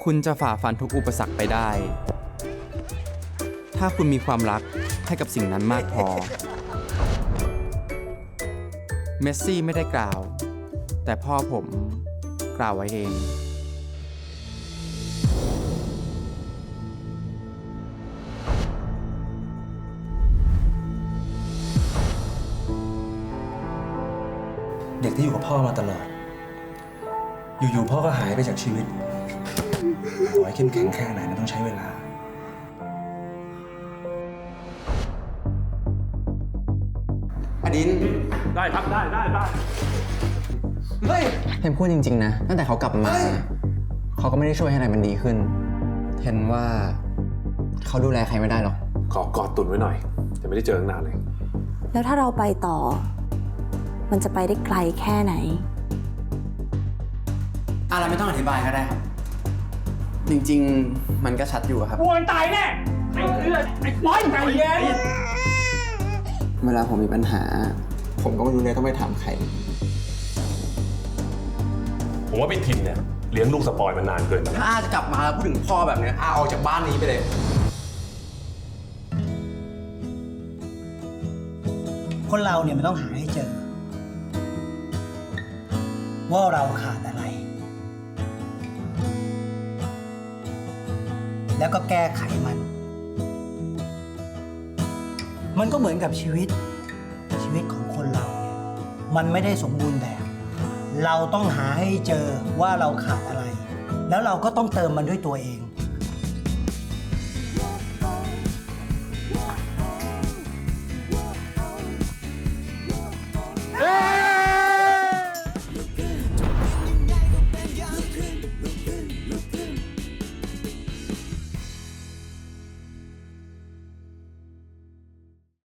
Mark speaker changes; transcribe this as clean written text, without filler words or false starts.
Speaker 1: คุณจะฝ่าฟันทุกอุปสรรคไปได้ ถ้าคุณมีความรักให้กับสิ่งนั้นมากพอ เมสซี่ไม่ได้กล่าว แต่พ่อผมกล่าวไว้เอง
Speaker 2: เด็กที่อยู่กับพ่อมาตลอด อยู่ๆพ่อก็หายไปจากชีวิตต่อให้เข้มแข็งแค่ไหนมันต้องใช้เวลา
Speaker 1: อดิน
Speaker 3: ได้ครับได้
Speaker 1: เฮ้ย
Speaker 4: เทนพูดจริงๆนะ ตั้งแต่เขากลับมา เขาก็ไม่ได้ช่วยให้อะไรมันดีขึ้น เทนว่าเขาดูแลใครไม่ได้หรอก
Speaker 3: ขอกอดตุนไว้หน่อยแต่ไม่ได้เจอตั้งนานเลย
Speaker 5: แล้วถ้าเราไปต่อ มันจะไปได้ไกลแค่ไหน
Speaker 4: อะไรไม่ต้องอธิบายก็ได้ครับ จริงๆ มันก็ชัดอยู่อะครับ
Speaker 3: ควรตายแน่ไอ้เลือดไอ้ป้อยใจเย็น
Speaker 4: เวลาผมมีปัญหา ผมก็ไม่รู้เลยต้องไปถามใคร
Speaker 3: ผมว่าพี่ทินเนี่ยเลี้ยงลูกสปอยมานานเกินไปแล้ว
Speaker 4: ถ้าอาจะกลับมาแล้วพูดถึงพ่อแบบนี้อาออกจากบ้านนี้ไปเลย
Speaker 6: คนเราเนี่ยมันต้องหาให้เจอ ว่าเราขาดอะไร แล้วก็แก้ไขมัน มันก็เหมือนกับชีวิตของคนเราเนี่ยมันไม่ได้สมบูรณ์แบบ เราต้องหาให้เจอว่าเราขาดอะไร แล้วเราก็ต้องเติมมันด้วยตัวเอง